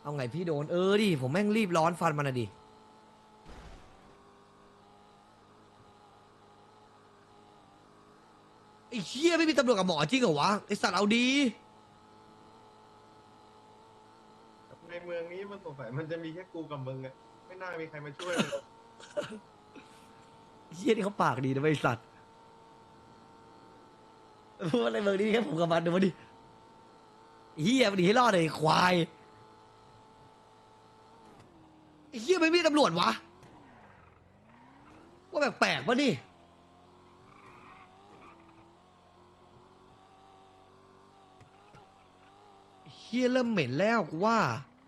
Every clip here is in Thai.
เอาไงพี่โดนดิผมแม่งรีบร้อนฟันมันอะดิไอ้เหี้ยไม่มีตำรวจกับหมอจริงเหรอวะไอ้สัตว์เอาดีในเมืองนี้มันสงสัยมันจะมีแค่กูกับมึงอะไม่น่ามีใครมาช่วยเลยเหี้ยนี่เขาปากดีนะไอ้สัตว์พูดอะไรเมืองนี้แค่ผมกับมันดูมาดิเหี้ยมันหนีให้รอดเลยควายไอ้เหี้ยไม่มีตำรวจวะว่าแปลกๆวะนี่เหี้ยเริ่มเหม็นแล้วกูว่า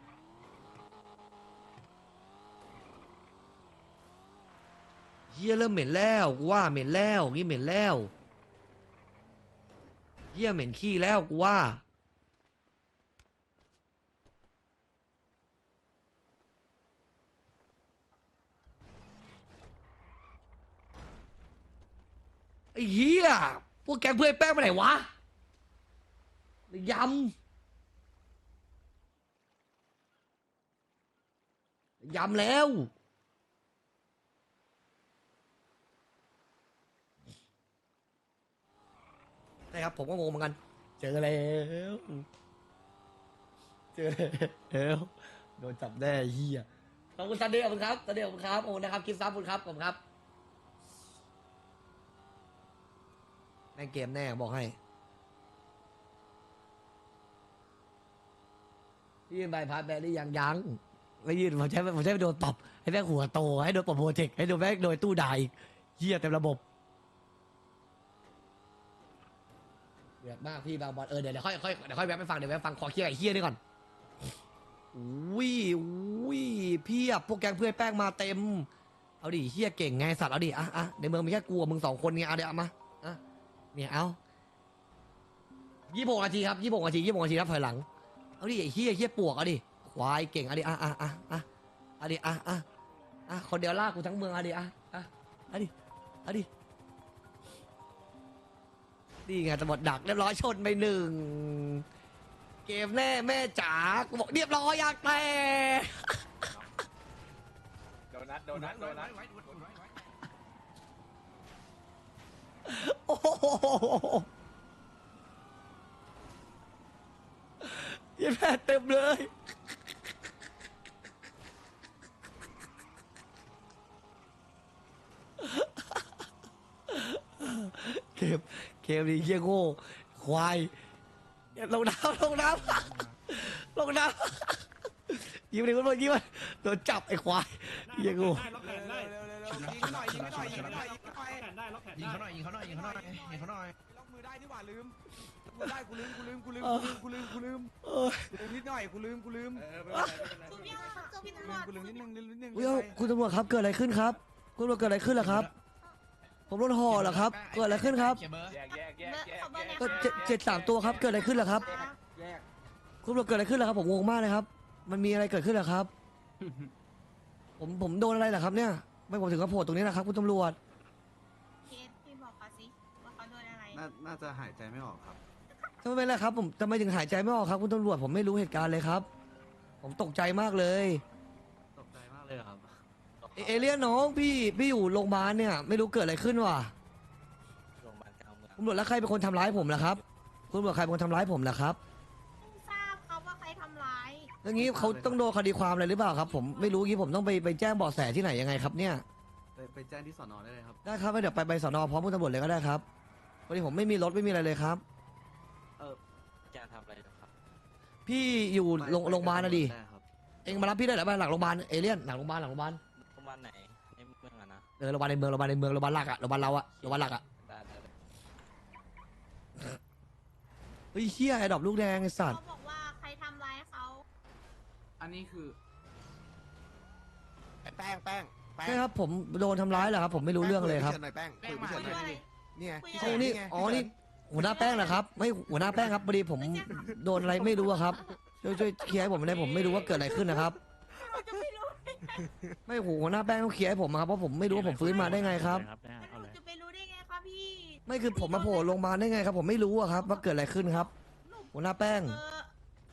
เหี้ยเริ่มเหม็นแล้วกูว่าเหม็นแล้วงี้เหม็นแล้วเหี้ยเหม็นขี้แล้วกูว่าไอ้เหี้ยพวกแกงเพื่อนแป้งไปไหนวะยำแล้วนะครับผมก็งงเหมือนกันเจอแล้วเจอแล้วโดนจับแน่เหี้ยขอบคุณซันเดย์ขอบคุณครับซันเดย์ขอบคุณครับโอ้นะครับกิฟต์ซับขอบคุณครับขอบคุณครับแม่งเกมแน่บอกให้พี่ยื่นใบพัดแบรี่ยังไม่ยื่นผมใช้ไปโดนตบให้แม่งหัวโตให้โดนปรับโปรเจกต์ให้โดนแม่งโดนตู้ด่าอีกเหี้ยเต็มระบบเดือดมากพี่บางบอลเดี๋ยวค่อยแวะไปฟังเดี๋ยวแวะฟังขอเคลียร์ไอ้เหี้ยนี่ก่อนอุ้ยพี่อะพวกแกงเพื่อนแป้งมาเต็มเอาดิเหี้ยเก่งไงสัตว์เอาดิอ่ะในเมืองมีแค่กูกับมึง2 คนไงเอาเดี๋ยวเอามาอ่ะเนี่ยเอา26 นาทีครับ26 นาทีนับถอยหลังเอาดิไอ้เหี้ยปวกเอาดิควายเก่งเอาดิเอาดิคนเดียวลากกูทั้งเมืองเอาดิเอาดินี่ไงตำรวจดักเรียบร้อยชนไป1 เกมแน่แม่จ๋ากูบอกเรียบร้อยอยากแต่โดนัทโอ้โหยี่แม่เต็มเลยเกมนี้เยี่ยโง่ควายลงน้ำยิ้มเลยคุณพ่อยิ้มมันโดนจับไอ้ควายเยี่ยโง่ยิงเขาหน่อยยิงเขาหน่อยยิงเขาหน่อยยิงเขาหน่อยยิงเขาหน่อยยิงเขาหน่อยยิงเขาหน่อยล็อกมือได้นี่หว่าลืมมือได้กูลืมนิดหน่อยกูลืมคุณพี่คือพี่ตำรวจกูลืมนิดนึงเฮ้ยคุณตำรวจครับเกิดอะไรขึ้นครับคุณตำรวจเกิดอะไรขึ้นล่ะครับผมโดนห่อเหรอครับเกิดอะไรขึ้นครับ ก็7-3 ตัวครับเกิดอะไรขึ้นล่ะครับคุณตำรวจเกิดอะไรขึ้นล่ะครับผมงงมากเลยครับมันมีอะไรเกิดขึ้นล่ะครับผมโดนอะไรล่ะครับเนี่ยไม่ผมถึงกระโผล่ตรงนี้นะครับคุณตำรวจเคสพี่บอกเขาสิว่าเขาโดนอะไรน่าจะหายใจไม่ออกครับทำไมล่ะครับผมทำไมถึงหายใจไม่ออกครับคุณตำรวจผมไม่รู้เหตุการณ์เลยครับ ผมตกใจมากเลยตกใจมากเลยครับเอเลี่ยนน้องพี่อยู่โรงพยาบาลเนี่ยไม่รู้เกิดอะไรขึ้นว่ะโรงพยาบาลกลางเมืองตำรวจแล้วใครเป็นคนทำร้ายผมล่ะครับคุณตำรวจใครเป็นคนทำร้ายผมล่ะครับไม่ทราบเขาว่าใครทำร้ายอย่างนี้เขาต้องโดนคดีความอะไรหรือเปล่าครับผมไม่รู้งี้ผมต้องไปแจ้งเบาะแสที่ไหนยังไงครับเนี่ยไปแจ้งที่สอนอได้เลยครับได้ครับเดี๋ยวไปสนพร้อมคุณตำรวจเลยก็ได้ครับวันนี้ผมไม่มีรถไม่มีอะไรเลยครับแจ้งทำอะไรครับพี่อยู่โรงพยาบาลนะดิได้ครับเองมารับพี่ได้เหรอบ้านหลังโรงพยาบาลเอเลี่ยนหลังโรงพยาบาลโรงพยาบาลไหนในเมืองอะนะโรงพยาบาลในเมืองโรงพยาบาลหลักอะโรงพยาบาลเราอะโรงพยาบาลหลักอะได้เฮ้ยเฮียไอ้ดอกลูกแดงไอ้สัตเขาว์บอกว่าใครทำร้ายเขาอันนี้คือแป้งใช่ครับผมโดนทำร้ายเหรอครับผมไม่รู้เรื่องเลยครับหน่อยแป้งคุยคุยหน่อยว่าอะไรนี่ไงคุยโอ้นี่อ๋อนี่หัวหน้าแป้งเหรอครับไม่หัวหน้าแป้งครับพอดีผมโดนอะไรไม่รู้อะครับช่วยเคลียร์ให้ผมได้ผมไม่รู้ว่าเกิดอะไรขึ้นนะครับเราจะไม่รู้ไม่หัวหน้าแป้งต้องเคลียร์ให้ผมอะครับเพราะผมไม่รู้ว่าผมฟื้นมาได้ไงครับแล้วหนูจะไปรู้ได้ไงคะพี่ไม่คือผมมาโผล่โรงพยาบาลได้ไงครับผมไม่รู้อะครับว่าเกิดอะไรขึ้นครับ หัวหน้าแป้งไม่ช่วย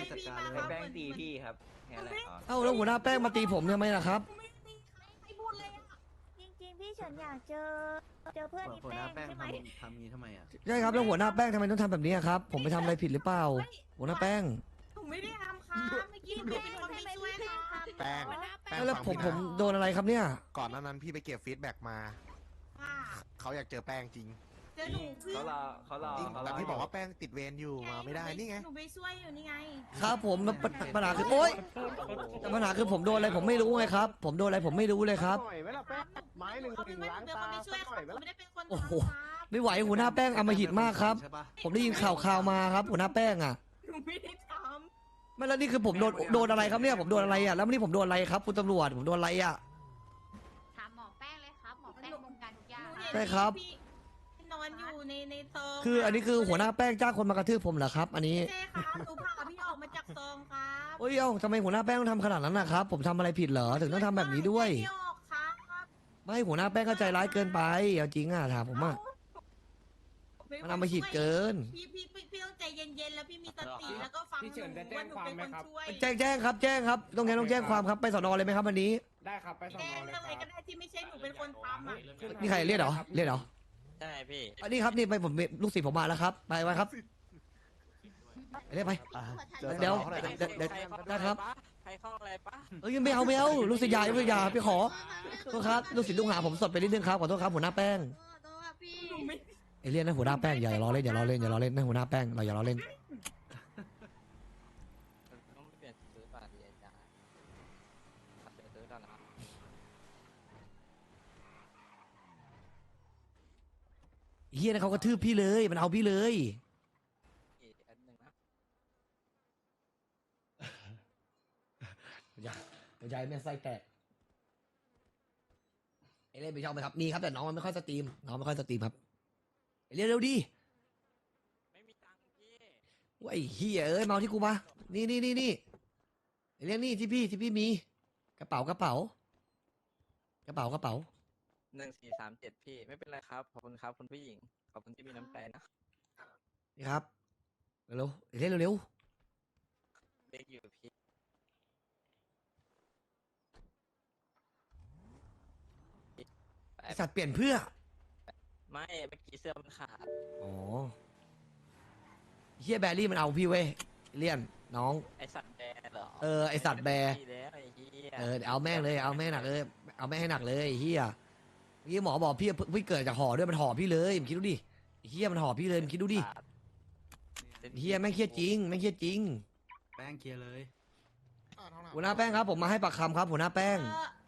จัดพี่การมาเลยครับแป้งตีพี่ครับแค่นั้นแหละเอ้าแล้วหัวหน้าแป้งมาตีผมทำไมล่ะครับไม่ตีใครพูดเลยอะจริงๆ พี่เฉินอยากเจอเพื่อนอีหัวหแป้น้าง แป้งใช่ไหมทำงี้ทำไมอ่ะใช่ครับแล้วหัวหน้าแป้งทำไมต้องทำแบบนี้อะครับ ผมไปทำอะไรผิดหรือเปล่า หัวหน้าแป้งหนูไม่ได้ทำค่ะเมื่อกี้หนูเป็นคนไปช่วยค่ะแป้งแล้วฟังผมพี่นะโดนอะไรครับเนี่ยก่อนหน้านั้นพี่ไปเก็บฟีดแบ็กมาค่ะเขาอยากเจอแป้งจริงเจอหนูเพื่อจริงแต่พี่บอกว่าแป้งติดเวรอยู่มาไม่ได้นี่ไงหนูไปช่วยอยู่นี่ไงครับผมปัญหาคือโอ๊ยแต่ปัญหาคือผมโดนอะไรผมไม่รู้ไงครับ ผมโดนอะไรผมไม่รู้เลยครับหน่อยไหมล่ะแป้งไม้หนึ่งเอาเป็นว่าหนูเป็นคนไปช่วยครับหนูไม่ได้เป็นคนโอ้โหทำครับไม่ไหวหัวหน้าแป้งอำมหิตมากครับใช่ปะผมได้ยินข่าวมาครับ หัวหน้าแป้งอ่ะหนูไม่ได้ทไม่แล้วนี่คือผมโดนอะไรครับเนี่ยผมโดนอะไรอ่ะแล้วนี่ผมโดนอะไรครับคุณตำรวจผมโดนอะไรอ่ะถามหมอแป้งเลยครับ หมอแป้งบงการทุกอย่างำหนูเห็นใช่ครับพี่นอนอยู่ในซองคืออันนี้คือหัวหน้าแป้งจ้างคนมากระทืบผมเหรอครับ อันนี้ใช่ครับหนูพาพี่ออกมาจากซองครับโอ้ยเอ้าทำไมหัวหน้าแป้งต้องทำขนาดนั้นนะครับ ผมทำอะไรผิดเหรอถึงต้องทำแบบนี้ด้วยพี่ออกครับไม่หัวหน้าแป้งก็ใจร้ายเกินไปเอาจริงอ่ะถามผมอ่ะมันอำมหิตเกินพี่ต้องใจเย็นๆแล้วพี่มีสติแล้วก็ฟังหนูว่าหนูเป็นคนช่วยแจ้งครับแจ้งครับต้องแจ้งความครับไปสอนอเลยไหมครับวันนี้ได้ครับไปสอนแจ้อง เลยอะไรคก็รับได้ที่ไม่ใช่หนูเป็นคนทำอ่ะนี่ใครเรียกเหรอเรียกเหรอใช่พี่อันนี้ครับนี่ไปผมลูกศิษย์ผมมาแล้วครับไปไว้ครับไปเรียกไป เดี๋ยวนะครับใครเข้าอะไรปะเอ้ยไม่เอาลูกศิษย์ยาพี่ขอโทษครับลูกศิษย์ลูกหาผมสดไปนิดนึงครับขอโทษครับหัวหน้าแป้งหนูไม่ไอเรียนนะหัวหน้าแป้งอย่าล้อเล่นนะหัวหน้าแป้งเราอย่าล้อเล่นต้องเปลี่ยนซื้อบัตรดีจ้าเปลี่ยนซื้อตอนไหนเฮียนะเขากระทืบพี่เลยมันเอาพี่เลยอีกอันหนึ่งนะอย่าแม่ไส้แตกไอเล่นไปชอบไหมครับมีครับแต่น้องมันไม่ค่อยสตรีมครับไอเล่นเร็วดิไม่มีตังค์พี่ว่าไอ้เฮียเอ้ยเมาที่กูมานี่ไอเล่นนี่ที่พี่มีกระเป๋า 1437พี่ไม่เป็นไรครับขอบคุณครับคุณผู้หญิงขอบคุณที่มีน้ำใจนะนี่ครับเร็วไอเล่นเร็วเด็กอยู่พี่ไอสัตว์เปลี่ยนเพื่อไม่เมื่อกี้เสื้อมันขาดอ๋อเฮียแบรี่มันเอาพี่เว้ยเลี่ยนน้องไอสัตว์แบร์เหรอไอสัตว์แบร์พี่แล้วไอ้เหี้ยเอาแม่งเลยเอาแม่งหนักเลยเอาแม่งให้หนักเลยไอ้เฮียเมื่อกี้หมอบอกพี่เกิดจากห่อด้วยมันห่อพี่เลยมึงคิดดูดิไอ้เฮียมันห่อพี่เลยมึงคิดดูดิเฮียแม่งเครียดจริงแป้งเคลียร์เลยหัวหน้าแป้งครับผมมาให้ปากคำครับหัวหน้าแป้ง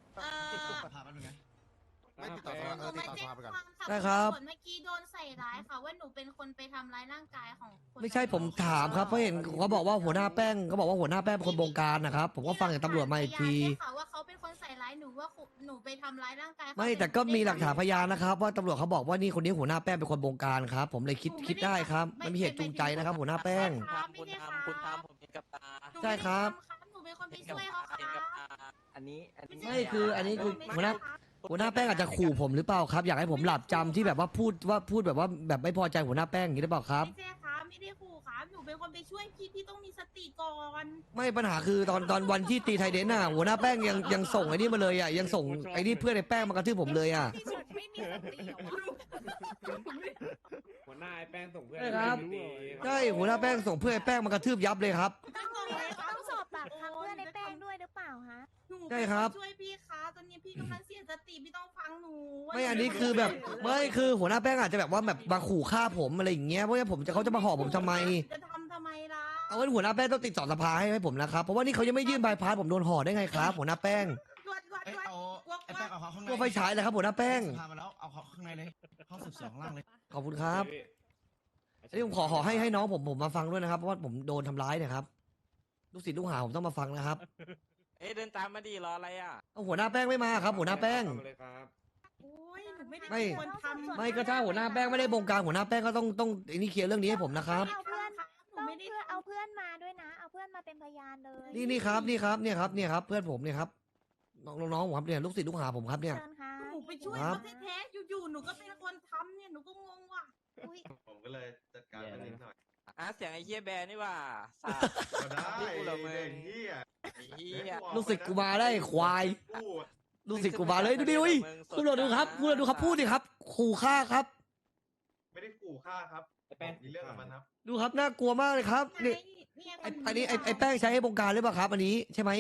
ไม่ติดต่อสภาติดต่อสภาไปก่อนได้ครับส่วนเมื่อกี้โดนใส่ร้ายค่ะว่าหนูเป็นคนไปทำร้ายร่างกายของคนไม่ใช่ผมถามครับเพราะเห็นเขาบอกว่าหัวหน้าแป้งเขาบอกว่าหัวหน้าแป้งเป็นคนบงการนะครับผมก็ฟังจากตำรวจมาอีกทีมีหลักฐานพยานด้วยค่ะว่าเขาเป็นคนใส่ร้ายหนูว่าหนูไปทำร้ายร่างกายเขาไม่แต่ก็มีหลักฐานพยานนะครับ ว่าตำรวจเขาบอกว่านี่คนนี้หัวหน้าแป้งเป็นคนบงการครับ ผมเลยคิดได้ครับมันมีเหตุจูงใจนะครับ หัวหน้าแป้งคุณทำผมเห็นกับตาหนูใช่ครับหนูเป็นคนไปเห็นกับช่วยเขาตาเห็นกับค่ะตาอันนี้ไม่คืออันนี้คือหัวหน้า หัวหน้าแป้งอาจจะขู่ผมหรือเปล่าครับอยากให้ผมหลับจำที่แบบว่าพูดแบบว่าแบบไม่พอใจหัวหน้าแป้งอย่างนี้หรือเปล่าครับไม่ใช่ครับไม่ได้ขู่ครับหนูเป็นคนไปช่วยพี่ต้องมีสติก่อนไม่ปัญหาคือตอนวันที่ตีไทยเดนน่ะหัวหน้าแป้งยังส่งไอ้นี่มาเลยอ่ะยังส่งไอ้นี่เพื่อนไอ้แป้งมากระทืบผมเลยอ่ะที่สุดไม่มีสติเหรอวะหัวหน้าไอ้แป้งส่งเพื่อนใช่ครับไม่รู้เลยใช่หัวหน้าแป้งส่งเพื่อนไอ้แป้งมากระทืบยับเลยครับต้องสอบปากคำเพื่อนในแป้งด้วยหรือเปล่าฮะหนูใช่ครับช่วยพี่คะตอนนี้พี่กำลังเสียสติพี่ต้องฟังหนูว่าไม่อันนี้คือแบบไม่คือหัวหน้าแป้งอาจจะแบบว่าแบบมาขู่ฆ่าผมอะไรอย่างเงี้ยเพราะว่าเขาจะมาห่อผมทำไมจะทำไมล่ะเอาไว้หัวหน้าแป้งต้องติดต่อสภาให้ผมนะครับเพราะว่านี่เขายังไม่ยื่นใบพาสผมโดนห่อได้ไงครับหัวหน้าแป้งดวดเอ้ยเอาไอ้แป้งเอาเขาข้างในตัวไฟฉายเลยครับหัวหน้าแป้งพามาแล้วเอาเขาข้างในเลยห้องสืบสวนข้างล่างเลยขอบคุณครับอันนี้ผมขอให้น้องผมมาฟังด้วยนะครับเพราะว่าผมโดนทำร้ายเนะครับลูกศิษย์ลูกหาผมต้องมาฟังนะครับเอ้ยเดินตามมาดีรออะไรอ่ะเอาหัวหน้าแป้งไม่มาครับหัวหน้าแป้งเลยครับโอ้ยหนูไม่ได้ไม่เป็นคนทำไม่ก็ถ้าหัวหน้าแป้งไม่ได้บงการหัวหน้าแป้งก็ต้องไอ้นี่เคลียร์เรื่องนี้ให้ผมนะครับเอาเพื่อนหนูต้องไม่ได้เพื่อนเอาเพื่อนมาด้วยนะ เอาเพื่อนมาเป็นพยานเลยนี่ครับเนี่ยครับเพื่อนผมเนี่ยครับน้องผมครับเนี่ยลูกศิษย์ลูกหาผมครับเนี่ยเชิญค่ะหนูไปช่วยครัเขาบแท้ๆอยู่ๆหนูก็เป็นคนทำเนี่ยหนูก็งงว่ะอุ๊ยผมก็เลยจัดการมันนิดหน่อยเสียงไอ้เฮียแบร์นี่ว่าสาดก็ได้พี่กูเหรอมึงเด็กเหี้ยไอ้เฮียลูกศิษย์กูมาได้ควายพูดลูกศิษย์กูมาเลยดูดิอุ้ยคุณลองดูครับคุณลองดูครับพูดดิครับขู่ฆ่าครับไม่ได้ขู่ฆ่าครับมีเรื่องกับมันครับดูครับน่ากลัวมากเลยครับนี่อันนี้ไอ้แป้งใช้ให้บงการหรือเปล่าครับ อันนี้ใช่ไหม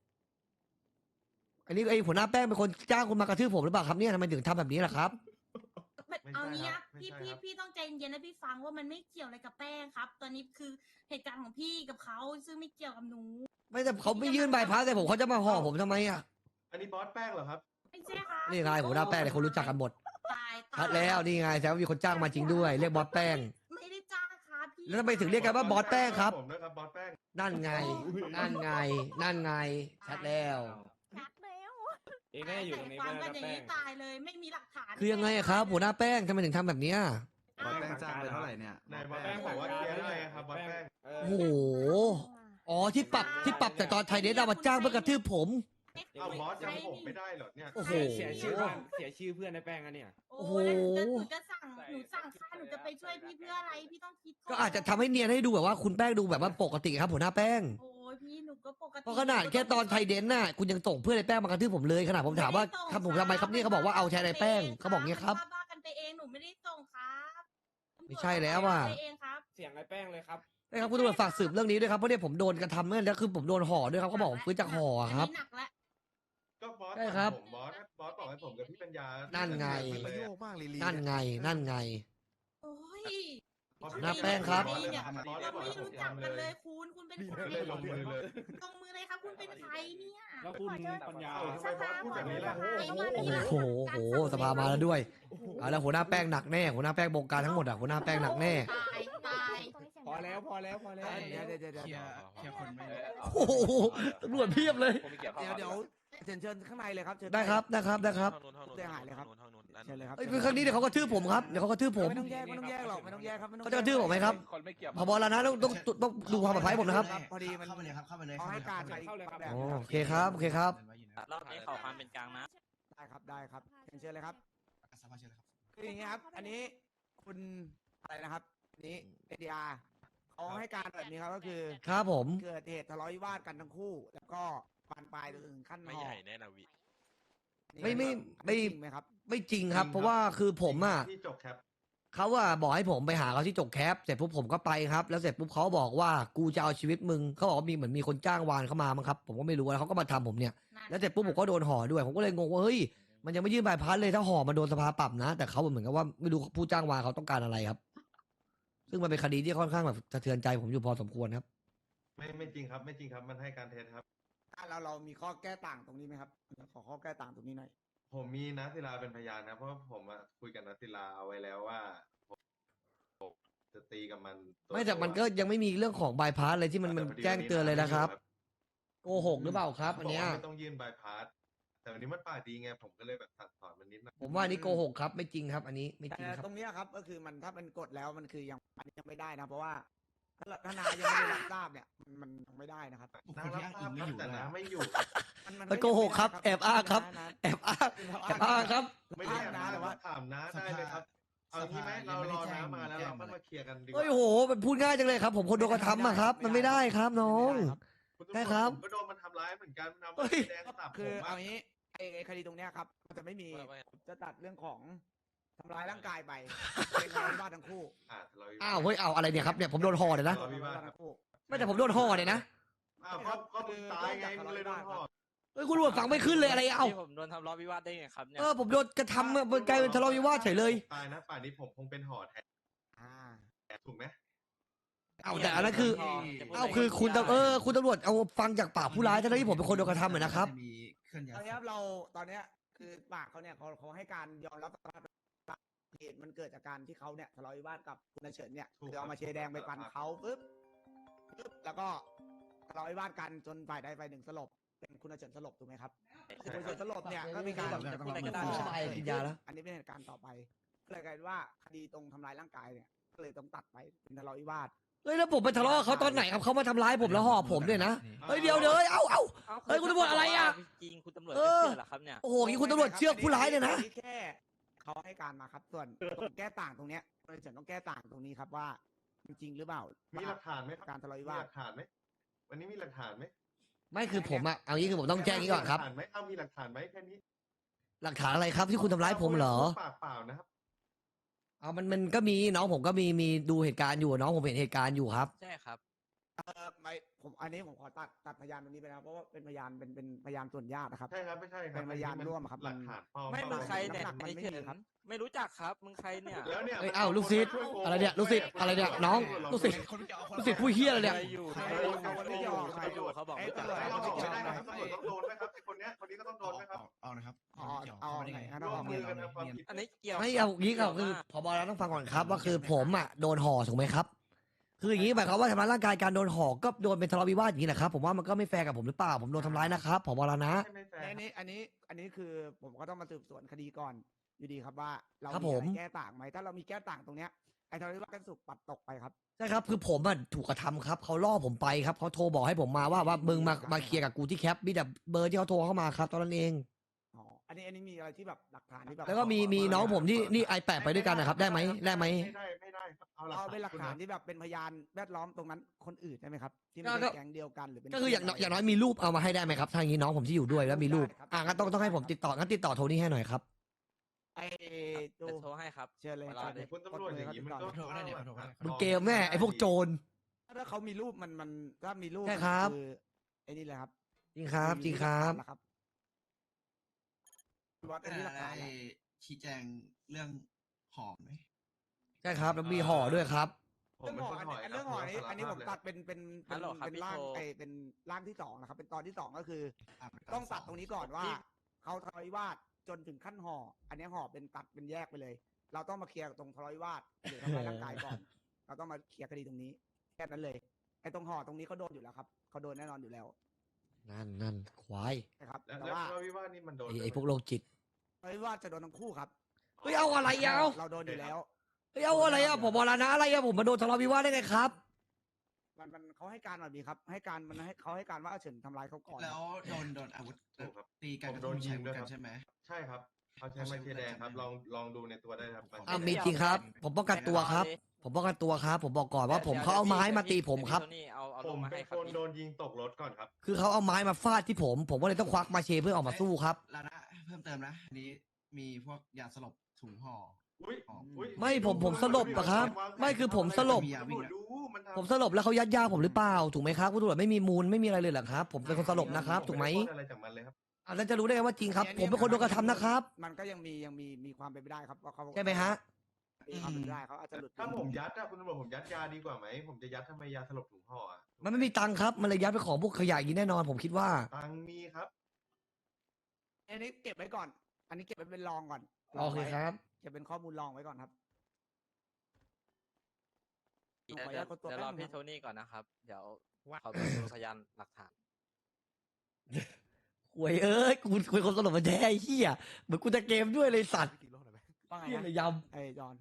อันนี้ไอ้หัวหน้าแป้งเป็นคนจ้างคุณมากระทืบผมหรือเปล่าครับเนี่ยทำไมถึงทำแบบนี้ล่ะครับเอางี้นะพี่ต้องใจเย็นๆนะพี่ฟังว่ามันไม่เกี่ยวอะไรกับแป้งครับ ตอนนี้คือเหตุการณ์ของพี่กับเขาซึ่งไม่เกี่ยวกับหนูไม่แต่เขาไม่ยื่นใบพัดแต่ผมเขาจะมาห่อผมทำไมอ่ะอันนี้บอสแป้งเหรอครับไม่ใช่ครับนี่ไงหัวหน้าแป้งเนี่ยคนรู้จักกันหมดตายชัดแล้วนี่ไงแสดงว่ามีคนจ้างมาจริงด้วยเรียกบอสแป้งไม่ได้จ้างครับพี่แล้วทำไมถึงเรียกกันว่าบอสแป้งครับผมด้วยครับบอสแป้งนั่นไง นั่นไง นั่นไง ชัดแล้วชัดแล้วเองน่าจะอยู่ตรงนี้ฟัไม่งได้กันนะอย่างแป้นี้งตายเลยไม่มีหลักฐานคือยังไงอะครับหัวหน้าแป้งทำไมถึงทำแบบเนี้ยบอสแป้งจ้างไปเท่าไหร่เนี่ยนายบอสแป้งบอกว่าเคลียร์ได้ครับบอสแป้งโอ้โหอ๋อที่ปรับจากตอนไทยเดนเอามาจ้างเพื่อกระทืบผมเอาบอสจำผมไม่ได้เหรอเนี่ยโอ้โหเสียชื่อบ้านเสียชื่อเพื่อนในแป้งอันเนี่ยโอ้โหแล้วหนูจะสั่งหนูสั่งค่าหนูจะไปช่วยพี่เพื่ออะไรพี่ต้องคิดก็อาจจะทำให้เนียนให้ดูแบบว่าคุณแป้งดูแบบว่าปกติครับหัวหน้าแป้งโอ้ยพี่หนูก็ปกติเพราะขนาดแค่ตอนไทยเดนน่ะคุณยังส่งเพื่อนในแป้งมากระทืบผมเลยขนาดผมถามว่าครับผมทำไมครับนี่เขาบอกว่าเอาแทนในแป้งเขาบอกเงี้ยครับบ้ากันไปเองหนูไม่ได้ส่งครับไม่ใช่แล้วว่ะไปเองครับเสียงไอ้แป้งเลยครับนะครับคุณตำรวจฝากสืบเรื่องนี้ด้วยครับเพราะเนี่ยผมโดนกระทำเนี่ยแล้วคือผมโดนห่อด้วยครับเขาบอกผมฟื้นจากห่อครับนนี้หนักแล้วก็บอสใช่ครับผมบอสบอกให้ผมกับพี่ปัญญานั่นั่นไงประโยคมากลีลีนั่นไงนั่นไงโอ้ยหน้าแป้งครับเนี่ยเราไม่รู้จักกันเลยคุณเป็นใครไม่ลงมือเลยลงมือเลยครับคุณเป็นใครเนี่ยแล้วคุณปัญญาเอาทำไมบอสพูดแบบนี้ล่ะโอ้โหสภามาแล้วด้วยเอาแล้วหัวหน้าแป้งหนักแน่หัวหน้าแป้งบงการทั้งหมดอ่ะหัวหน้าแป้งหนักแน่ตายพอแล้วพอแล้วพอแล้วเดี๋ยวคนไม่โอ้โหตำรวจเพียบเลยเดี๋ยวเชิญข้างในเลยครับเชิญได้ครับได้ครับได้ครับเสียหายเลยครับเชิญเลยครับเอ้ยครั้งนี้เดี๋ยวเขากระทืบผมครับเดี๋ยวเขากระทืบผมไม่ต้องแยกหรอกไม่ต้องแยกครับไม่ต้องเขาจะกระทืบผมไหมครับคนไม่เกี่ยวพบแล้วนะต้องดูความปลอดภัยผมนะครับพอดีมันเข้าไปเลยครับเข้าไปเลยเอาให้การไปเข้าเลยครับอ๋อโอเคครับโอเคครับรอบนี้ขอความเป็นกลางนะได้ครับได้ครับเชิญเลยครับสภาเชิญเลยครับคืออย่างนี้ครับ อันนี้คุณอะไรนะครับอันนี้เอดีอาร์เขาให้การแบบนี้ครับก็คือครับผมเกิดเหตุทะเลาะวิวาทกันทั้งคู่ แล้วก็บานปลายถึงขั้นไม่ห่อใหญ่แน่นะวิไม่จริงไหมครับไม่จริงครับ เพราะว่าคือผมอ่ะที่จบแคปเขาอะบอกให้ผมไปหาเขาที่จกแคปเสร็จปุ๊บผมก็ไปครับ แล้วเสร็จปุ๊บเขาบอกว่ากูจะเอาชีวิตมึงเขาบอกว่ามีเหมือนมีคนจ้างวานเข้ามามั้งครับผมก็ไม่รู้แล้วเขาก็มาทำผมเนี่ยแล้วเสร็จปุ๊บผมก็โดนห่อด้วยผมก็เลยงงว่าเฮ้ยมันยังไม่ยื่นใบพัดเลยถ้าห่อมันโดนสภาปรับนะ แต่เขาเหมือนกับว่าไม่รู้ผู้จ้างวานเขาต้องการอะไรครับ ซึ่งมันเป็นคดีที่ค่อนข้างแบบสะเทือนใจผมอยู่พอสมควรครับไม่จริงครับไม่จริงครับมันให้การเท็จครับเรามีข้อแก้ต่างตรงนี้ไหมครับขอข้อแก้ต่างตรงนี้หน่อยผมมีนัทศิลาเป็นพยานนะเพราะว่าผมอะคุยกับนัทศิลาเอาไว้แล้วว่าผมจะตีกับมันวไม่แต่มันก็ยังไม่มีเรื่องของใบพัดเลยที่มันต่พอดีแจ้งเตือนเลยนะครับวัโกหกหรือเปล่าครับอันเนี้ยบกว่าไม่ต้องยื่นใบพัดแต่วันนี้มันปากดีไงผมก็เลยแบบสั่งสอนมันนิดหน่อยผมว่าอันนี้โกหกครับไม่จริงครับ อันนี้ไม่จริงแต่ครับตรงเนี้ยครับก็คือมันถ้ามันกดแล้วมันคือยังอันนี้ยังไม่ได้นะ เพราะว่าถ้านายยังไม่ได้รับทราบเนี่ยมันยังไม่ได้นะครับน้ารับทราบครับแต่น้าไม่อยู่มันโกหกครับแอบอ้างครับ แอบอ้างแอบอ้างครับไม่ได้นะแต่ว่าถามน้าได้เลยครับ เอางี้ไหมเรารอน้ามาแล้วเราก็มาเคลียร์กันดีกเฮ้ยว่าโหมันพูดง่ายจังเลยครับ ผมคนโดนกระทำอะครับ มันไม่ได้ครับน้องคุณได้ตำรวจครับผมก็โดนมันทำร้ายเหมือนกันมันเฮ้ทำยแดงสับผคือมเอาอะงี้ไอ้คดีตรงเนี้ยครับมันจะไม่มีจะตัดเรื่องของทำร้ายร่างกายไปเป็นทะเลาะวิวาททั้งคู่ทะเลาะวิวาทอ้าวเฮ้ยเอาอะไรเนี่ยครับเนี่ยผมโดนห่อเลยนะทะเลาะวิวาทครับทั้งคู่ไม่แต่ผมโดนห่อเลยนะอ้าวก็มึงตายไงมึงเลยโดนห่อเฮ้ยคุณตำรวจฟังไม่ขึ้นเลยอะไรเอ้าที่ผมโดนทำร้ายวิวาทได้ไงครับเนี่ยผมโดนกระทำอะมันกลายเป็นทะเลาะวิวาทเฉยเลยตายนะป่านนี้ผมคงเป็นห่อแทนอ่าถูกไหมเอาแต่อันนั้นคือ เอาคือคุณตำคุณตำรวจเอาฟังจากปากผู้ร้ายทั้งที่ผมเป็นคนโดนกระทำเหมือนนะครับมีเคลื่อนย้าตอย นนี้ครับเราตอนเนี้ยคือปากเขาเนี่ยเขาให้การยอมรับสารภาพเหตุมันเกิดจากการที่เขาเนี่ยทะเลาะวิวาทกับคุณเฉินเนี่ยคือเอามาเชยร์แดงไปฟันเขาปุ๊บแล้วก็ทะเลาะวิวาทกันจนฝ่ายใดฝ่ายหนึ่งสลบเป็นคุณเฉินสลบถูกไหมครับคือคุณเฉินสลบเนี่ยก็มีการจะพูดอะไรก็ได้สบายกินยาแล้วอันนี้เป็นเหตุการณ์ต่อไปก็เลยกลายเป็นว่าคดีตรงทำร้ายร่างกายเนี่ยก็เลยต้องตัดไปเป็นทะเลาะวิวาทเฮ้ยแล้วผมไปทะเลาะกับเขาตอนไหนครับเขามาทำร้ายผมแล้วห่อผมด้วยนะเฮ้ยเดี๋ยวเฮ้ยเอ้า เฮ้ยคุณตำรวจอะไรอะจริงคุณตำรวจไม่เชื่อเหรอครับเนี่ยโอ้โหนี่คุณตำรวจเชือกผู้ร้ายเนี่ยนะแค่เขาให้การมาครับส่วนตรงแก้ต่างตรงเนี้ยคุณเฉินต้องแก้ต่างตรงนี้ครับว่าจริงหรือเปล่ามีหลักฐานไหมครับการทะเลาะวิมีวาหทลักฐานไหมวันนี้มีหลักฐานไหมไม่คือผมอะเอางี้คือผมต้องแจ้งนี้ก่อนครับมีหลักฐานไหมเอามีหลักฐานไหมแค่นี้หลักฐานอะไรครับที่คุณทำร้ายผมเหรอปากเปล่านะครับเอามันก็มีน้องผมก็มีดูเหตุการณ์อยู่น้องผมเห็นเหตุการณ์อยู่ครับใช่ครับไม่ผมอันนี้ผมขอตัดพยานตรงนี้ไปนะครับเพราะว่าเป็นพยานเป็นพยานส่วนญาตินะครับใช่ครับไม่ใช่ครับเป็นพยานร่วมครับหลักฐานปลอมไม่มึงใครเนี่ยน้ำหนักมันไอ้ไม่เฉิมีนครับไม่รู้จักครับ มึงใครเนี่ยแล้วเนี่ยเอ้ยอ้าวลูกศิษย์อะไรเนี่ยลูกศิษย์อะไรเนี่ยน้องลูกศิษย์ ลูกศิษย์ผู้เหี้ยอะไรเนี่ยอยู่ใครใครอยู่อยู่ใครอยู่ใครอยู่เขาบอกไอ้รู้จักตำรวจไม่เขาต้องบอกไม่รู้ได้จักนะครับตำรวจต้องโดนไหมครับไอ้คนเนี้ยคนนี้ก็ต้องโดนไหมครับเอานะครับเอาไหนฮะร่วมมือกันทำความผิดอันนี้เกี่ยวไม่เอางี้ก็คือพบเราต้องฟังก่อนครับว่าคือผมอ่ะโดนห่อถูกไหมครับ คืออย่างนี้หมายความว่าทำร้ายร่างกายการโดนห่อก็โดนเป็นทะเลาะวิวาทอย่างนี้แหละครับผมว่ามันก็ไม่แฟร์กับผมหรือเปล่าผมโดนทำร้ายนะครับผบเรานะไม่แฟร์อันนี้คือผมก็ต้องมาสืบสวนคดีก่อนอยู่ดีครับว่าเราครับมีผมอะไรแก้ต่างไหมถ้าเรามีแก้ต่างตรงเนี้ยไอ้ทะเลาะวิวาทกันสุกปัดตกไปครับใช่ครับคือผมอ่ะถูกกระทำครับเขาล่อผมไปครับเขาโทรบอกให้ผมมาว่ามึงมาเคลียร์กับกูที่แคปมีแต่เบอร์ที่เขาโทรเข้ามาครับตอนนั้นเองอ๋ออันนี้มีอะไรที่แบบหลักฐานที่แบบแล้วก็มีน้องผมที่นี่ไอแปดไปด้วยกันนะครับได้ไหมไม่ได้ครับเอาหลักเอาเป็นหลักฐานคุณที่แบบเป็นพยานแวดล้อมตรงนั้นคนอื่นได้ไหมครับ ที่ไม่ก็ใช่แก๊งเดียวกันหรือเป็นก็คืออย่างน้อยมีรูปเอามาให้ได้ไหมครับทางนี้น้องผมที่อยู่ด้วยแล้วมีรูปงั้นต้องให้ผมติดต่องั้นติดต่อโทนี่ให้หน่อยครับไอ้ดูจะโทรให้ครับเชิญเลยเวลาเลยคุณตำรวจอย่างนี้มันก็ขอโทษก็ได้เดี๋ยวขอโทษก็ได้มึงเกมแม่ไอพวกโจรถ้าเขามีรูปมันถ้ามีรูปใช่ครับคือไอ้นี่แหละครับจริงครับจริงครับมีหลักฐานวัดอันนี้หลักฐานได้ชี้แจงเรื่องหอมไหมใช่ครับแล้วมีห่อด้วยครับผมเรื่องเป็นห่อคนอันถอยเรื่องห่อนี้คบอันนี้ผมสารภาพเลยตัดเป็นฮัลโหลครับเป็นพี่ร่างโทเป็นร่างที่สองนะครับ เป็นตอนที่สองก็คืออ่ะต้องตัดตรงนี้ก่อนว่าเขาทะเลาะวิวาทจนถึงขั้นห่อ อันนี้ห่อเป็นตัดเป็นแยกไปเลย เราต้องมาเคลียร์ตรงทะเลาะวิวาทหรือทำร้ายร่างกายก่อน เราต้องมาเคลียร์คดีตรงนี้แค่นั้นเลยไอ้ตรงห่อตรงนี้เขาโดนอยู่แล้วครับเขาโดนแน่นอนอยู่แล้วนั่นควายนะครับแล้วแต่แล้วว่าทะเลาะวิวาทนี่มันโดนไอพวกโรคจิตทะเลาะวิวาทจะโดนทั้งคู่ครับเฮ้ยเอาอะไรเอาเราโดนอยู่แล้วเฮ้ยเอาอะไรอะผมบอกแล้วนะอะไรอะผมมาโดนทะเลาะวิวาทได้ไงครับมันเขาให้การแบบนี้ครับ ให้การมันให้เขาให้การว่าเฉินทำร้ายเขาก่อนแล้วโดนอาวุธถูกครับตีกันผมก็โดต้อน งยิใช้งอาวุด้ธวยกัคน รับใช่ไหมใช่ครับเอาใช้ไม้เทียแดงครับลองดูในตัวได้ครับมีจริงครับ ผมป้องกันตัวครับ ผมป้องกันตัวครับ ผมบอกก่อนว่าผมเขาเอาไม้มาตีผมครับเดี๋ยวพี่โทนี่เอาผลงมมาเป็ให้นครัคบนพี่โดนยิงตกรถก่อนครับคือเขาเอาไม้มาฟาดที่ผมก็เลยต้องควักมาเชเพื่อออกมาสู้ครับแล้วนะเพิ่มเติมนะอันนี้มีพวกยาสลบถุงห่ออุ้ยอุ้ยไม่ผมสลบอะครับไม่คือผมสลบตำรวจดูมันทำผมสลบแล้วเขายัดยาผมหรือเปล่าถูกไหมครับคุณตำรวจไม่มีมูลไม่มีอะไรเลยเหรอครับ ผมเป็นคนสลบนะครับถูกไหมผด้พูดอะไรจากมันเลยครับอ่ะแล้วจะรู้ได้ไงว่าจริงครับ ผมเป็นคนโดนกระทำนะครับมันก็ยังมีความเป็นไปได้ครับว่าเขาใช่ไหมฮะมีความเป็นไปได้เขาอาจจะหลุดถ้าผมยัดอะคุณตำรวจผมยัดยาดีกว่าไหมผมจะยัดทำไมยาสลบถุงห่ออะมันไม่มีตังค์ครับมันเลยยัดไปของพวกขยะอย่างนี้แน่นอน ผมคิดว่าตังค์มีครับอันนี้เก็บไว้ก่อน อันนี้เก็บไว้เป็นรองก่อนโอเคครับเก็บเป็นข้อมูลรองไว้ก่อนครับเดี๋ยวรอพี่โทนี่ก่อนนะครับ เดี๋ยวขอไปดูพยานหลักฐานหวยเอ้ยกูเป็นคนสลบมาแท้ไอ้เหี้ยเหมือนกูจะเกมด้วยเลยสัตว์ว่าไงเหี้ยเลยนะยไอ้จอน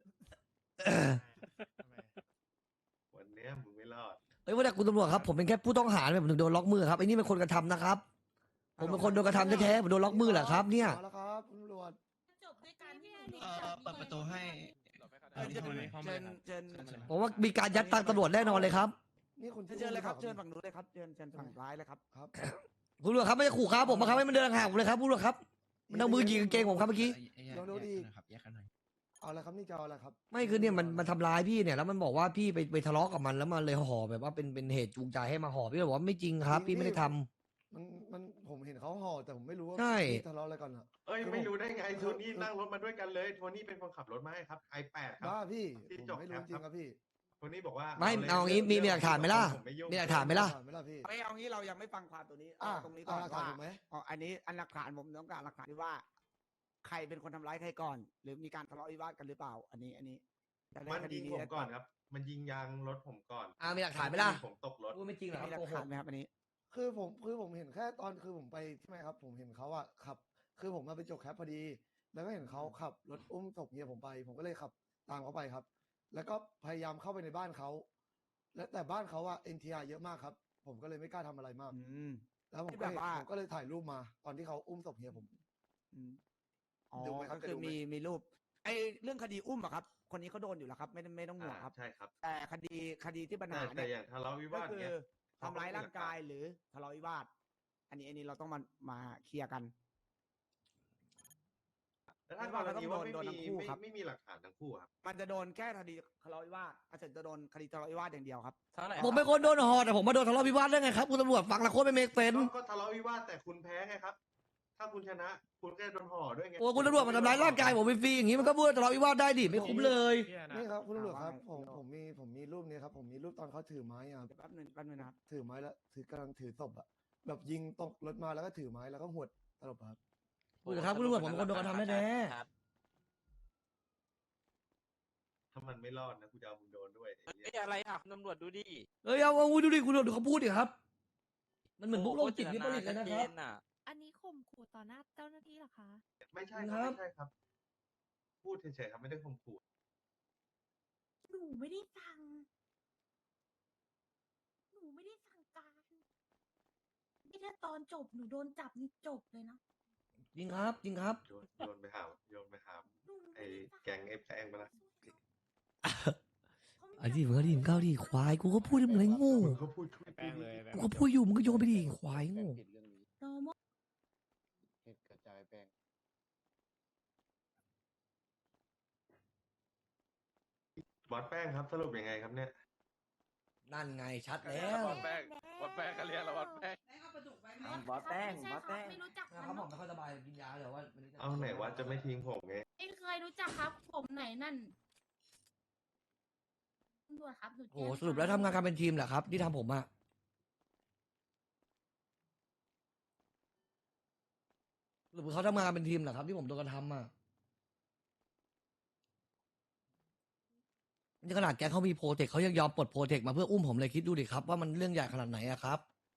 วันเนี้ยมึงไม่รอดำเฮ้ยว่าแต่คุณตำรวจครับผมเป็นแค่ผู้ต้องหาเนี่ยผมถึงโดนล็อกมือครับไอ้นี่เป็นคนกระทำนะครับ ผมเป็นคนโดนกระทำแท้ๆผมโดนล็อกมือเหรอครับเนี่ยมาแล้วครับตำรวจจบด้วยการที่เปิดประตูให้เชิญผมว่ามีการยัดตังค์ตำรวจแน่นอนเลยครับนี่คุณเชิญเลยครับเชิญฝั่งนู้นเลยครับเชิญฝั่งร้ายเลยครับครับคุณตำรวจครับไม่ได้ขู่ครับผมมาครับให้มันเดินห่างผมเลยครับคุณตำรวจครับมันเอามือยิงกางเกงผมครับเมื่อกี้ลองดูดิครับแยกกันหน่อยเอาละครับนี่จะเอาอะไรครับไม่คือเนี่ยมันทำร้ายพี่เนี่ยแล้วมันบอกว่าพี่ไปทะเลาะกับมันแล้วมันเลยห่อแบบว่าเป็นเหตุจูงใจให้มาห่อพี่เลยบอกว่าไม่จริงครับ พี่ไม่ได้ทำมันผมเห็นเขาห่อแต่ผมไม่รู้ว่าใช่พี่ทะเลาะอะไรกันอ่ะเอ้ยคือไม่รู้ได้ไงคือโทนี่นั่งรถมาด้วยกันเลยโทนี่เป็นคนขับรถมาให้ครับ i8 ครับบ้าพี่ที่ผมจบไม่รู้แคปจริครังบครับพี่โทนี่บอกว่าไม่ลยเอางี้มีหลักฐานไหมล่ะผมไม่ยุ่งมีหลักฐานไหมล่ะไม่ล่ะพี่เอางี้เรายังไม่ฟังความตัวนี้อ่ะเอาตรงนี้ก่อนหลักฐานว่าถูกไหมอ๋ออันนี้อันหลักฐานผมต้องการหลักฐานที่ว่า ใครเป็นคนทำร้ายใครก่อน หรือมีการทะเลาะวิวาทกันหรือเปล่า อันนี้จะได้มันคดียิงนี้ผมได้ก่อนครับ มันยิงยางรถผมก่อนมีหลักฐานไหมล่ะผมตกรถพูดไม่จริงเหรอคมีหรัลับกโกหฐานกไหมครับอันนี้คือผมเห็นแค่ตอนคือผมไปใช่ไหมครับ ผมเห็นเขาอะขับ คือผมมาไปจบแคปพอดี แล้วก็เห็นเขาขับรถอุ้มศพเมียผมไป ผมก็เลยขับตามเขาไปครับ แล้วก็พยายามเข้าไปในบ้านเขา และแต่บ้านเขาอะ NTR เยอะมากครับ ผมก็เลยไม่กล้าทำอะไรมาก แล้วผมที่ก็แบบว่าผมก็เลยถ่ายรูปมา ตอนที่เขาอุ้มศพเมียผมอ๋อดูไหมครัก็บคือจะดูไหมมีรูป ไอ้เรื่องคดีอุ้มอะครับคนนี้เขาโดนอยู่แล้วครับ ไม่ต้องห่วงครับใช่ครับแต่คดีที่ปัญหาแต่เนี่ยอย่างทะเลาะวิก็วาทคือเนี้ยทำร้ายร่างกายหรือทะเลาะวิวาท อันนี้เราต้องมาเคลียร์กันแล้วถ้ากรณีว่าไม่โดนทั้มีงคู่ครับไม่มีหลักฐานทั้งคู่ครับมันจะโดนแค่คดีทะเลาะวิวาทอาจจะโดนคดีทะเลาะวิวาทอย่างเดียวครับเท่าไหร่ผมเป็นคนโดนห่อแต่ผมมาโดนทะเลาะวิวาทได้ไงครับคุณตำรวจฟังแล้วโคตรไม่เมกเซนก็ทะเลาะวิวาทแต่คุณแพ้ไงครับ ถ้าคุณชนะ คุณก็โดนห่อด้วยไงโอ้คุณตำรวจมาทำร้ายร่างกายผมฟรีๆอย่างนี้มันก็พูดว่าทะเลาะวิวาทได้ดิไม่คุ้มเลยนี่ครับคุณตำรวจครับว่าไงผมมีรูปนี้ครับผมมีรูปตอนเขาถือไม้อะครับเดี๋ยวแป๊บนึงนะครับถือไม้แล้วกำลังถือศพอะแบบยิงตกรถมาแล้วก็ถือไม้แล้วก็หวดตลบอะครับพูดเถอะครับคุณตำรวจผมเป็นคนโดนกระทำแน่ครับถ้ามันไม่รอดนะกูจะเอามึงโดนด้วยไอ้เหี้ยเอ้ยอะไรอ่ะคุณตำรวจดูดิๆเอ้ยเอาดูดิคุณตำรวจดูเขาพูดดิครับ มันเหมือนพวกโรคจิตวิปริตเลยนะครับน่ะอันนี้ข่มขู่ต่อหน้าเจ้าหน้าที่เหรอคะไม่ใช่คครัรับ บไม่ใช่ครับ พูดเฉยๆครับไม่ได้ข่มขู่หนูไม่ได้สั่งหนูไม่ได้สั่งการนี่ถ้าตอนจบหนูโดนจับนี่จบเลยนะจริงครับจริงครับโยนไปหาหนูไอ้ม่ด้สั่แก๊งไอ้แพงไปละไอ้ที่มึงก็ดิมก้าวดิควายกูก็พูดเหมือนไอ้โง่เขาพูดช่วยแป้งเลยกูก็พูดอยู่มึงก็โยนไปดิควายโง่โนโมบอสแป้งครับสรุปยังไงครับเนี่ยนั่นไงชัดแล้ววัดแป้งก็เรียกแล้ววัดแป้งบอสแป้งไม่บอสใช่แป้งไม่รู้จักนะมันครับผมไม่ค่อยสบายกินยาเดี๋ยวว่าเอาไหนว่าจะไม่ทิ้งผมไงไม่เคยรู้จักครับ ผมไหนนั่นตำรวจครับหนูโอ้โหสรุปแล้วทำงานกันเป็นทีมเหรอครับที่ทำผมอะสรุปเขาทำงานกันเป็นทีมเหรอครับที่ผมโดนกระทำอะนี่ขนาดแกเขามีโปรเทคเขายังยอมปลดโปรเทคมาเพื่ออุ้มผมเลยคิดดูดิครับว่ามันเรื่องใหญ่ขนาดไหนอะครับ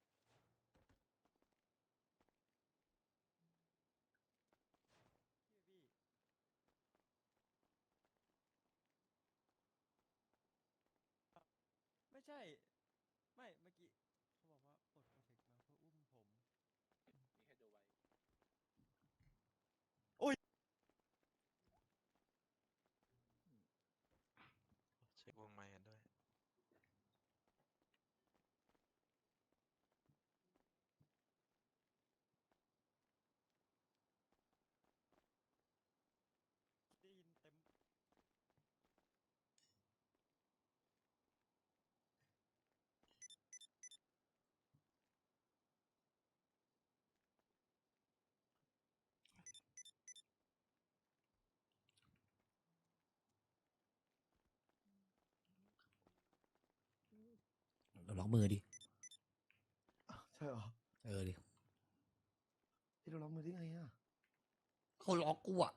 ไม่ใช่ ไม่เมื่อกี้เขาบอกว่าปลดโปรเทคมาเพื่ออุ้มผมเช็ควงไมค์กันด้วยได้ยินเต็มเราล็อกมือดิใช่เหรอดิที่เราล็อกมือได้ไงอะเขาล็อกกูอะ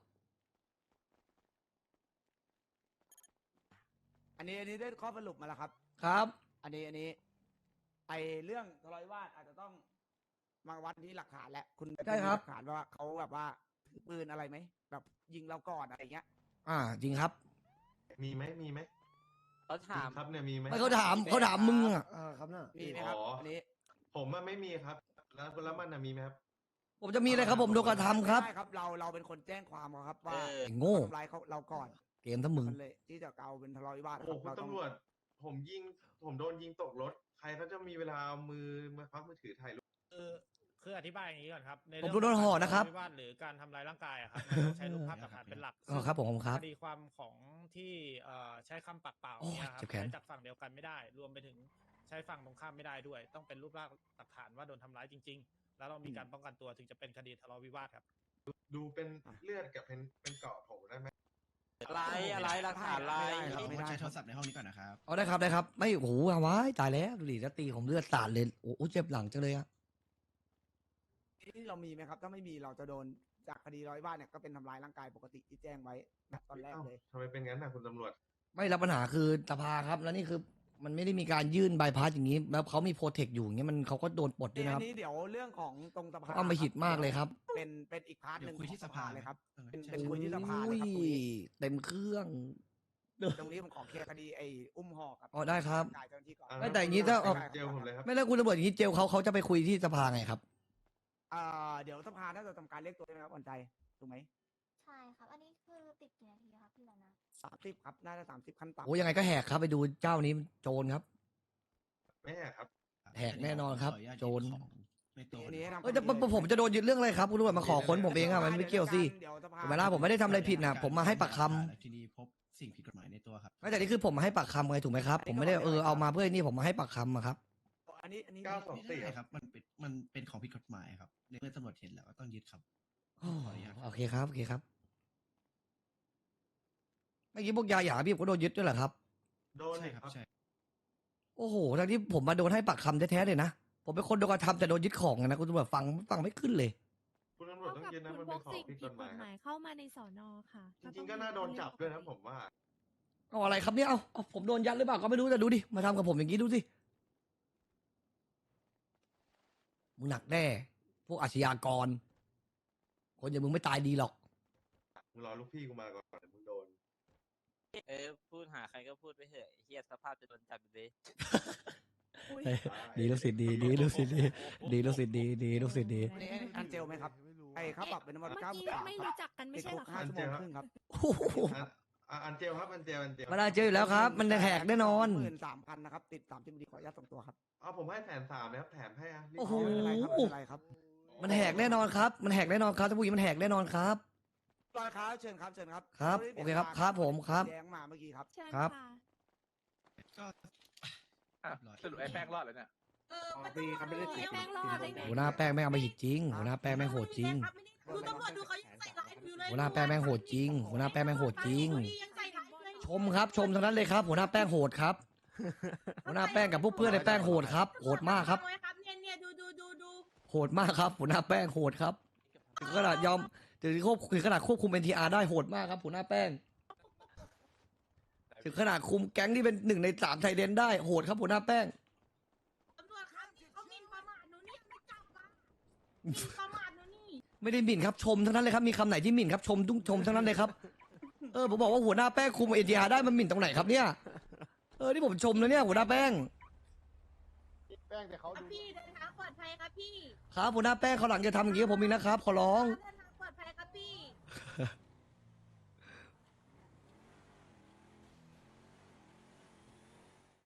อันนี้ได้ข้อสรุปมาแล้วครับครับอันนี้ไอเรื่องทะเลาะวิวาทอาจจะต้องมาวัดที่หลักฐานแหละคุณใช่ครับมีหลักฐานว่าเขาแบบว่าถือปืนอะไรไหมแบบยิงเราก่อนอะไรเงี้ยจริงครับมีไหมเขาจริถามงครับเนี่ยมีไหมไม่เขาถามมึงอะครับน่ะมีไหมครับอ๋ออัอันนี้ผมอะไม่มีครับ แล้วมันอะมีไหมครับผมจะมีอะไรครับผมโดนกระทำครับไม่ได้ครับเราเป็นคนแจ้งความครับว่าไอ้โง่ทำร้ายเราก่อนเกมทั้งมึงมันเลยที่จะเอาเป็นทะเลาะวิวาทโอ้โหครับคุณเราต้องตำรวจ ผมโดนยิงตกรถ ใครเขาจะมีเวลาเอามือมาควักมือถือถ่ายรูปคืออธิบายอย่างนี้ก่อนครับในผมเรื่องโดนห่อนะครับการทำร้ายวิวาทหรือการทำร้ายร่างกายอะครับมันต้องใช้รูปภาพหลักฐานเป็นหลักครับผมครับคดีความของที่ใช้คำปากเปล่าโอ้ยเนี่ยครับเจ็บแขนใช้จากฝั่งเดียวกันไม่ได้ รวมไปถึงใช้ฝั่งตรงข้ามไม่ได้ด้วย ต้องเป็นรูปร่างหลักฐานว่าโดนทำร้ายจริง ๆ แล้วเรามีการป้องกันตัวถึงจะเป็นคดีทะเลาะวิวาทครับดูเป็นเลือดกับเป็นเกาะผมได้ไหมอะไรหลักฐานอะไรไม่ได้ใช้โทรศัพท์ในห้องนี้ก่อนนะครับเอาได้ครับไม่โอ้โหเอาไว้ตายแล้วดูดิแล้วตีผมเลือดสาดเลยโอ้โหเจ็บหลังจังเลยอะที่เรามีไหมครับ ถ้าไม่มีเราจะโดนจากคดีทะเลาะวิวาทเนี่ยก็เป็นทำร้ายร่างกายปกติที่แจ้งไว้นะตอนแรกเอ้าเลยทำไมเป็นงั้นนะคุณตำรวจไม่รับปัญหาคือสภาครับแล้วนี่คือมันไม่ได้มีการยื่นใบพัดอย่างนี้ แล้วเขามีโปรเทคอยู่อย่างเงี้ยมันเขาก็โดนปลดด้วยอันะครับนนี้เดี๋ยวเรื่องของตรงสภาเอามาหิดมากเลยครับเป็นอีกพาร์ทหนึ่งเดี๋ยวคุยที่ของสภาเลยครับเออเป็นใช่เป็นคุยที่สภาเลยครับตรงนี้เต็มเครื่องตรงนี้ผมขอเคลียร์คดีไอ้อุ้มห่อกับอ๋อได้ครับกายเจ้าหน้าที่ก่อนไม่แต่อย่างนี้ถ้าเอาเจลผมเลยครับไม่แล้วคุณตำรวจอย่างนี้เจลเขาจะไปคุยที่สภาไงครับเดี๋ยวสภาน่าจะทำการเรียกตัวใช่ไหมครับอ่อนใจถูกไหมใช่ครับ อันนี้คือติดกี่นาทีครับพี่ละนะ 30ครับน่าจะ30ขั้นต่ำโอ้ยังไงก็แหกครับไปดูเจ้านี้โจรครับไม่แหกครับแหกแน่นอนครับขออนุญาตโจรยึดของในตัวอันนี้ให้ทำเอ้ยแต่ผมจะโดนยึดเรื่องอะไรครับคุณตำรวจมาขอค้นผมเองอะมันไม่เกี่ยวสิเดี๋ยวสภาเวลาผมไม่ได้ทำอะไรผิดนะผมมาให้ปากคำแล้วทีนี้พบสิ่งผิดกฎหมายในตัวครับไม่แต่นี่คือผมมาให้ปากคำไงถูกไหมครับ ผมไม่ได้เอามาเพื่อนี่ผมมาให้ปากคำอะครับอันนี้ไม่ได้ครับ มันเป็นของผิดกฎหมายครับในเมื่อตำรวจเห็นแล้วก็ต้องยึดครับโอ้ขออนุญาตโอเคครับโอเคครับเมื่อกี้พวกยาหยาพี่ผมก็โดนยึดด้วยเหรอครับโดนใช่เลยครับใช่โอ้โหทั้งที่ผมมาโดนให้ปากคำแท้ๆเลยนะผมเป็นคนโดนกระทำแต่โดนยึดของอะนะคุณตำรวจฟังไม่ขึ้นเลยคุณตำรวจต้องยึดนะมันเป็นของผิดกฎหมายครับเข้ามาในสอนอค่ะจริงๆก็น่าโดนจับด้วยนะผมว่าเอาอะไรครับเนี่ยเอาผมโดนยัดหรือเปล่าก็ไม่รู้แต่ดูดิมาทำกับผมอย่างนี้ดูสิมึงหนักแน่พวกอาชญากร คนอย่างมึงไม่ตายดีหรอกมึงรอลูกพี่กูมาก่อนเดี๋ยวมึงโดนพูดหาใครก็พูดไปเถอะไอ้เฮียสภาพจะโดนจับอยู่ดีดีลูกศิษย์ดีลูกศิษย์ดีลูกศิษย์ดีลูกศิษย์ดีอันนี้อันเจลไหมครับไอ้ค่าปรับเป็นน้ำมันเมื่อ 9 กี้บาทไม่รู้จักกันไม่ใช่เหรอคะ 5 ชั่วโมงครึ่งครับโอ้โหอันเจลครับอันเจลมาได้เจออยู่แล้วครับ มันแหกแน่นอน 13,000นะครับติด30ดีขออนุญาตส่งตัวครับเอาผมให้130,000นะครับแถมให้อะรีบโอ้โหไม่เป็นไรครับไม่เป็นไรครับมันแหกแน่นอนครับ มันแหกแน่นอนครับท่านผู้หญิงมันแหกแน่นอนครับรอยครับเชิญครับเชิญครับครับโอเคครับครับผมครับแดงมาเมื่อกี้ครับเชิญครับค่ะก็เรียบร้อยสรุปไอ้แป้งรอดแล้วเนี่ยประตูครับแป้งรอดได้ไงหัวหน้าแป้งแม่งเอาไปหิดจริงหัวหน้าแป้งแม่งโหดจริงดูตำรวจดูเขายังใส่ร้ายอยู่เลยหัวหน้าแป้งแม่งโหดจริงหัวหน้าแป้งแม่งโหดจริงยังใส่ร้ายเลยชมครับชมทั้งนั้นเลยครับหัวหน้าแป้งโหดครับ หัวหน้าแป้งกับพวกเพื่อนในแป้งโหดครับโหดมากครับเนี่ยดูโหดมากครับหัวหน้าแป้งโหดครับถึงขนาดยอมถึงขนาดควบคุม NTR ได้โหดมากครับหัวหน้าแป้งถึงขนาดคุมแก๊งที่เป็น1 ใน 3ไทยเดนได้โหดครับหัวหน้าแป้งตำรวจครับเขาหมิ่นประมาทหนูเนี่ยไม่จับมาหมิ่นประมาทหนูนี่ไม่ได้หมิ่นครับชมทั้งนั้นเลยครับมีคำไหนที่หมิ่นครับชมชมทั้งนั้นเลยครับผมบอกว่าหัวหน้าแป้งคุม NTR ได้มันหมิ่นตรงไหนครับเนี่ยนี่ผมชมนะเนี่ยหัวหน้าแป้งแป้งแต่เขาครับดูพี่เดินทางปลอดภัยครับพี่ครับหัวหน้าแป้งเขาวหลังจะทำอย่างนี้กับผมอีกนะครับขอร้องเดินทางปลอดภัยครับพี่